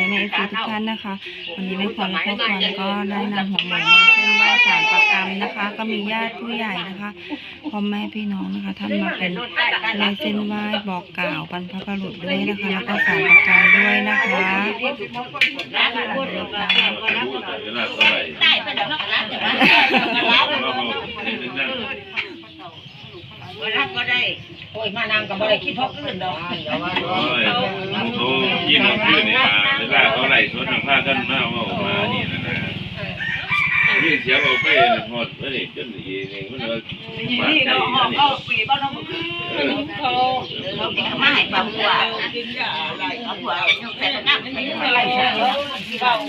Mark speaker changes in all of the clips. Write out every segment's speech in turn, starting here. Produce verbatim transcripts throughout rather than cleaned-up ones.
Speaker 1: แม่เอฟซีทุกท่านนะคะวันนี้แม่พรและพ่อพรก็ได้นำหัวหมูมาเส้นไหว้ศาลประกรรมนะคะ ก็มีญาติผู้ใหญ่นะคะพ่อแม่พี่น้องนะคะท่านมาเป็นลายเส้นไหว้บอกกล่าวบรรพบุรุษด้วยนะคะแล้วก็ศาลประกรรมด้วยนะคะ
Speaker 2: รับก็ได้โอ้ยมานางกับบ่ได้คิดพกอื่นดอกโอ้ย
Speaker 3: โอ้ยิ่งขึ้นนี่มาเวลาเขาไล่สวนทางภาคกันมาว่าออกมานี่นะนะยิ่งเสียออกไปหดไปนี่จนอีนี่มันว่าบาดใจนี่ปีบ้านน้องเขาเขาเป็นมาให้ปลาหัวกินยาอะไรเอาหัวใส่น้ำไม่อะไรเบา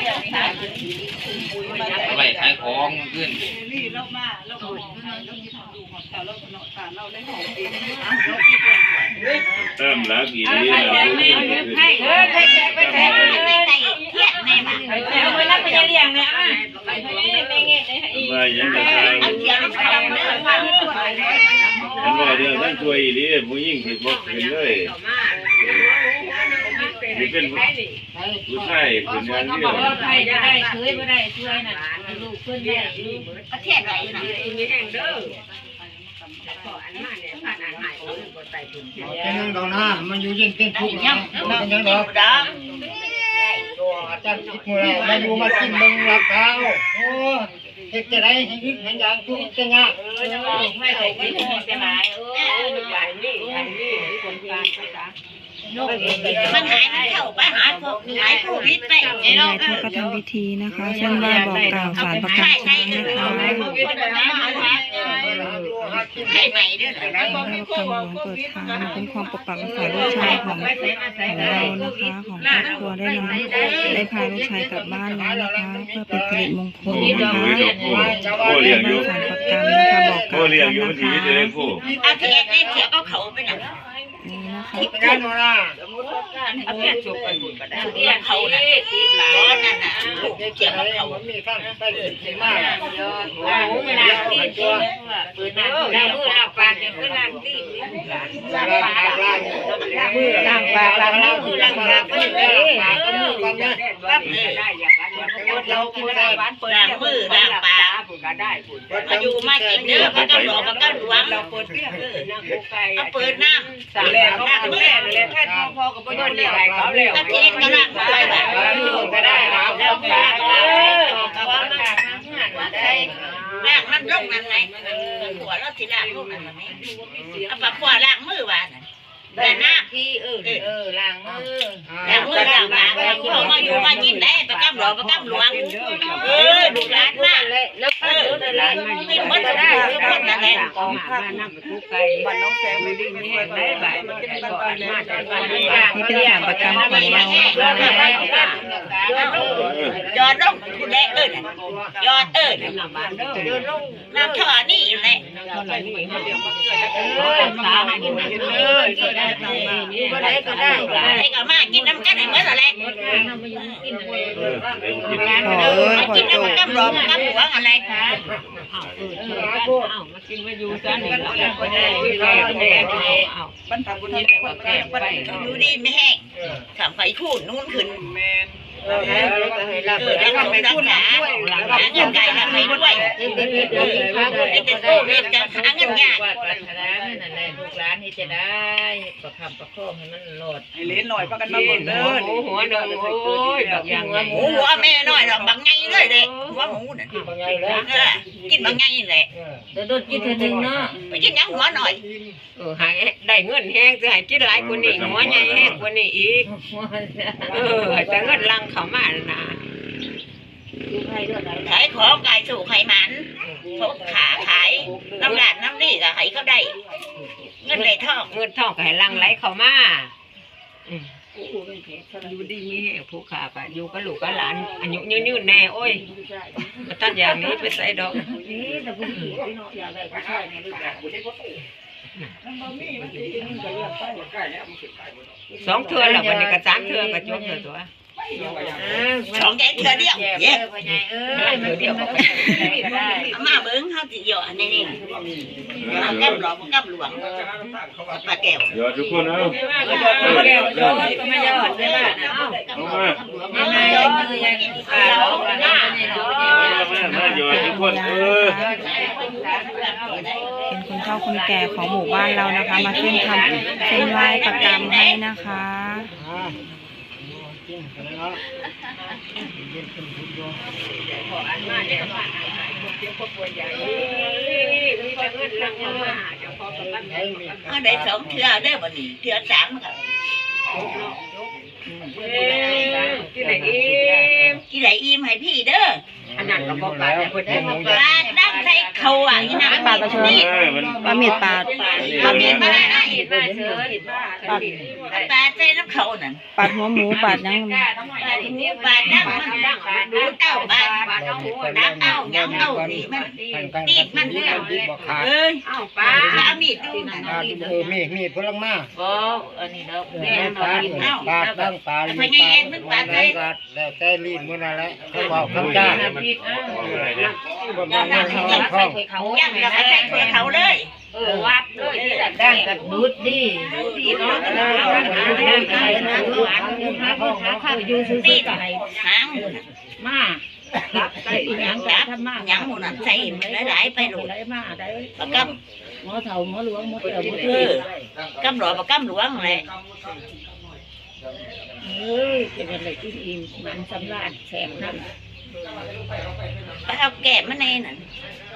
Speaker 3: อะไรขายของขึ้นนี่เรามาเราเราเราที่ทำดูของเราเราเนาะเราได้หอมดีเติมรักอีนี่ให้เออให้แขกไปแขกไปใส่เทียนแม่มาเอาไว้รับไปเลี้ยงเนี่ยอ่ะไปไม่เงี้ยมาอย่างไรเอาเทียนไปเอาเนื้อมาฉันว่าเดี๋ยวท่านช่วยอีนี่ผู้ยิ่งผิดบกขึ้นเลยนี่เป็นผู้ชายเป็นงานเดียวใครจะได้เคยไม่ได้ช่วยน่ะลูกเพื่อนได้ประเทศไหนน่ะมีแห่งเด้อ
Speaker 4: เป็นยังดอกนะมันอยู่ยิ่งเป็นทุกข์นะเป็นยังดอกตัวอาจารย์คิดมือเรามาอยู่มากินมึงรับเท้าโอ้เฮ็ดจะได้ให้ยึดให้ยางทุกข์จะยากเออจะบอกไม่ได้กินจะหลายเออใหญ่นี่ใหญ่นี่คนการภาษา
Speaker 2: มันหายมันเข้าไปหาพวกหายโควิดไปไอ้น้อง
Speaker 1: ท่านก็ทำพิธีนะคะเส้นไหว้บอกกล่าวศาลประกรรมช้างนะคะ
Speaker 2: ให้ใหม่ด้วยนะ
Speaker 1: แล้วก็คำหลวงเปิดทางเป็นความปกปักรักษาลูกชายของของเรานะคะของครอบครัวได้นำได้พาลูกชายกลับบ้านแล้วนะคะเพื่อเป็นสิริมงคลนะคะ
Speaker 3: โอ้เลี้ยงอยู่
Speaker 1: ศาลประกรรมนะคะบอกกล่าว
Speaker 3: เลี้ยงอยู่ดีจะได้ผู้
Speaker 2: อาเทียนได้เทียนก็เขาไปหนัง
Speaker 1: นี่นะคะ
Speaker 4: เป็นยังดอกนะ
Speaker 2: อาเทียนจบไปหมดก็ได้เทียนเขาน่ะติดหลายนั่นน่ะเทียนเขา
Speaker 4: มันมีทั้งใต้ขีดมาก
Speaker 2: โอ้เวลาตีตัวเปิดหน้าหน้ามือหน้าปากเนี่ยคือล้างตีล้างปากล้างมือล้างปากล้างมือล้างปากก็ได้ปากก็มือกันนะปั๊บได้อย่างนั้นเรากินได้บ้านเปิดล้างมือล้างปากก็ได้มาอยู่มากินเนื้อมันก็หลอกมันก็หลวงเราเปิดเรื่องเออนั่งโคไก่เอาเปิดน้ำสั่งแล้วเขาแม่เลยแค่พอกับพ่อเนี่ยเขาแล้วก็เทียนก็ล้างมือไปก็ได้แล้วแล้วปากเออแต่ว่ามันล้างมันลงนั่นไงหัวเราสิล้างลงนั่นไหมเอาปากหัวล้างมือว่าแต่หน้าพี่เออเออล้างมือล้างมือล้างปากเขามาอยู่มากินได้ประกำหลวงประกำหลวงเออดูร้านมากแล้วเออกินมันจะได้คนนั่นแหละของข้าวน้ำทุกไก่บ้านน้องแซมไม่ได้มีแห่งได้บ่ายมันจะได้ก่อนมาจากบ้านนี้
Speaker 1: นี่เป็นศาลประกรรมของเรา
Speaker 2: ยอดลงคุณแม่เอิญยอดเอิญน้ำท่อนี่แหละเออสาวกินเลยก็ได้ก็ได้ให้กับมากินน้ำกันให้เหมือนอะไร
Speaker 1: ขอเอ้ยขอ
Speaker 2: กิน
Speaker 1: โจ
Speaker 2: น้ำกับหลวงกับหลวงอะไรคะ
Speaker 5: มากินมาอยู่ซะนี่แล้วก็ได้บรรพบุรุษคนแก่ไป
Speaker 2: ดูดีไม่แห้งทำไฟคูนนู่นขึ้นเออแล้วทำไปคูนหาเงินไก่ทำไปด้วยเด็กเด็กโตเด็กจะหาเงินยาก
Speaker 5: ปัจจัยนั่นแหละลูกหลานนี่จะได้ประคำประคองให้มันหลด
Speaker 6: ให้เล่นหน่อยประกันมาเบิ่งเด้อ
Speaker 5: หัวหนึ่งโอ้ยแบบอย่าง
Speaker 2: หมูหัวแม่น้อยหรอกบางไงเลยเด็กหัวหมูน่ะกินบางไงเลย
Speaker 5: เดี๋ยวโดนกินเธอหนึ่งเนาะ
Speaker 2: ไปกินยังหัวหน่อย
Speaker 5: เออหายได้เงินแห้งจะหายกินหลายกว่านี้หัวใหญ่แห้งกว่านี้อีกเออแต่เงินลังเขามานะ
Speaker 2: ขายของขายสู่ขายมันเขาขาขายน้ำหลานน้ำนี่ก็ให้เขาได้เงินเลยทอง
Speaker 5: เงินทองก็ให้ลังไหลเขามาอยู่ดีมีแห่ผู้ขาไปอยู่กับลูกกับหลานอายุยืนๆแน่โอ้ยมาตัดอย่างนี้ไปใส่ดอกสองเทือหรอวันนี้ก็สามเทือก็จบเลยตัว
Speaker 2: สองแกเทือเดียวเย้
Speaker 5: เออเทือเดียวก็
Speaker 2: ได้มาเบิ้งเขาสิหยอดนี่นี่แก้มหลวงแก้มหลวงปลาแก้ว
Speaker 3: หยอดทุกคนเอา
Speaker 5: หยอดแก้วหยอดก็ไม่หยอดได้บ้างนะ
Speaker 3: มา
Speaker 2: ไม่ได้มือยังเราหน้า
Speaker 3: มามาอยู่ทุกคนเออ
Speaker 1: เป็นคนเฒ่าคนแก่ของหมู่บ้านเรานะคะ มาเส้นทำเส้นไหว้ประกรรมให้นะคะ
Speaker 4: อ่ากินกันเนาะกินเป็นทุกอย่างให้มี
Speaker 2: เอาได้สองเทื่อได้บ่นี่เทื่อสามก็
Speaker 5: กินไหนอีม
Speaker 2: กี่ไหลอิ่มให้พี่เด้อ
Speaker 5: อันนั้นก็บอกปลาแต่คนได้มา
Speaker 2: ปลาดั้งใส่เขาอ่ะนี่นะปลาตะช
Speaker 3: เออมัน
Speaker 1: ปลาเม็ดปลา
Speaker 2: ปลาเมียนมาได้
Speaker 5: เห็นมาเชิญ
Speaker 2: ปลาใส่น้ำเขานั่น
Speaker 1: ปาดหัวหมูปาดยัง
Speaker 2: ปลาที่นี่ปลาดั้งมันดั้งมันดูเต้าปลาดั้งเต้ายังเต้านี่มันตีดมันเนี่ย
Speaker 4: บอกขาด
Speaker 2: เอ้ย
Speaker 5: เอ้าปลา
Speaker 2: ปลามีดดูนั่น
Speaker 4: ขาดเออมีมีพลังมา
Speaker 5: บ่อันนี้เนาะ
Speaker 4: แม่ปลาปลาตั้งปลาลีปลาอะไรก็แล้วแต่ลีนมื้อนั่นแหละเขาบอกคำจ้า
Speaker 3: มันอะไรเนี่ย
Speaker 4: บ่แม่นเงินทองทอง
Speaker 2: ยังแล้วก็ใส่ถ้วยเขาเลย
Speaker 5: เออวัดเลยที่ดังกับดูดดีดีเนาะดังไก่นะหวานหาพ่อหาข้าวอยู่ซื่อ
Speaker 2: ตีด
Speaker 5: ๆไก่
Speaker 2: หาง
Speaker 5: มาไก่อีหยัง
Speaker 2: จับ
Speaker 5: ทำมา
Speaker 2: หยังหมดนั่นใส่มันหลายๆไปโหลด
Speaker 5: ได้มาได้
Speaker 2: ปลากำ
Speaker 5: หมอเฒ่าหมอหลวงหมอเฒ่าหมอ
Speaker 2: เออกำหลอปลากำหลวงเลย
Speaker 5: เอ้ยเป็นอะไรที่อิ่มมันสำราญแสบนั่น
Speaker 2: ไปเอาแกะมาในนั่น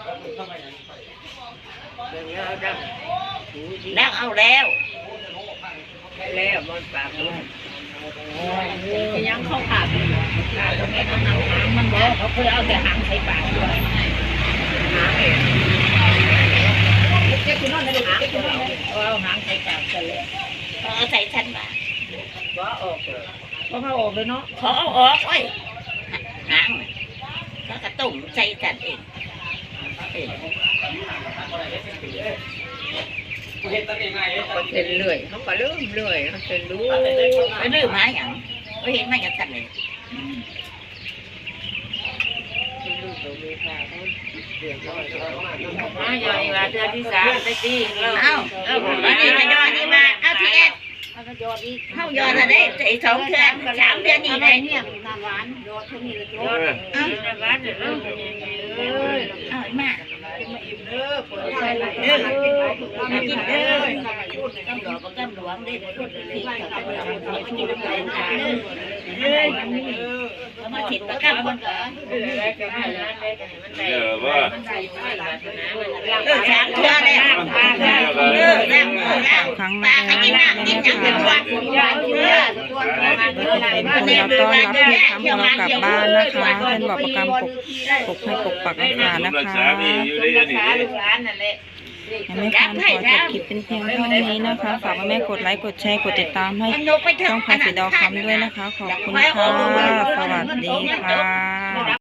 Speaker 2: แล้วเอาแล้ว
Speaker 5: แล้วมันปากยังเข้าปากตรงนี้มันเอาหางมันบอกเขาเคยเอาแต่หางใส่ปากด้วยหางเองเจ๊คุณนอนได้ดูเจ๊คุณนอนได้เอาหางใส่ปากกันเลย
Speaker 2: เอาใส่ชั้นบา
Speaker 5: ก็ออกก็เขาออกเลยเนาะ
Speaker 2: ขอเอาออกไว้หางแล้วก็ตุ่มใส่จันเองเออ
Speaker 5: เป็นเลื่อยเขาก็เลื่อยเลื่อยเขาเป็นรู้
Speaker 2: ไปลื้อมาอย่างไปเห็นมาอย่างกันเลย
Speaker 5: มาอย่างนี้ว่าเดือนที่สามได้ตีแล้ว
Speaker 2: เอาเอาอันนี้ก็ยอดนี่มาเอาที่เอ็ดเข้ายอดอะไรไอ้สองเดือนสามเดือนนี่ไง
Speaker 3: เออ
Speaker 2: เอา
Speaker 5: ในบ้านเด้อ
Speaker 2: เอามาเออมากินเด้อกำหลวงกำหลวงได้พูดผิดกับกำหลวงมากินน้ำแข็งเด้อเอามาถิดประกันคนก่อน
Speaker 3: เดี๋ยวว่า
Speaker 2: เออสามเดือนแล้วเออแล้วแล้ว
Speaker 1: ครั้ง
Speaker 2: ป
Speaker 1: แร
Speaker 2: ลาก ก็กินน้ำกินยังเป็นตัวเออ
Speaker 1: เป็นคนเราต้อนรับที่ทำของเรากลับบ้านนะคะเส้นบอกประกรรมปกปกให้ปกปักรักษานะ
Speaker 3: รัก
Speaker 1: คะ
Speaker 3: ษาพี่อยู่ได้ยังไง
Speaker 1: ยังไม่ทันขอจบคลิปเป็นเพียงเท่านี้นะคะ ฝากแม่กดไลค์ กดแชร์ กดติดตามให้ช่องพาสีดาวคำด้วยนะคะ ขอบคุณค่ะ สวัสดีค่ะ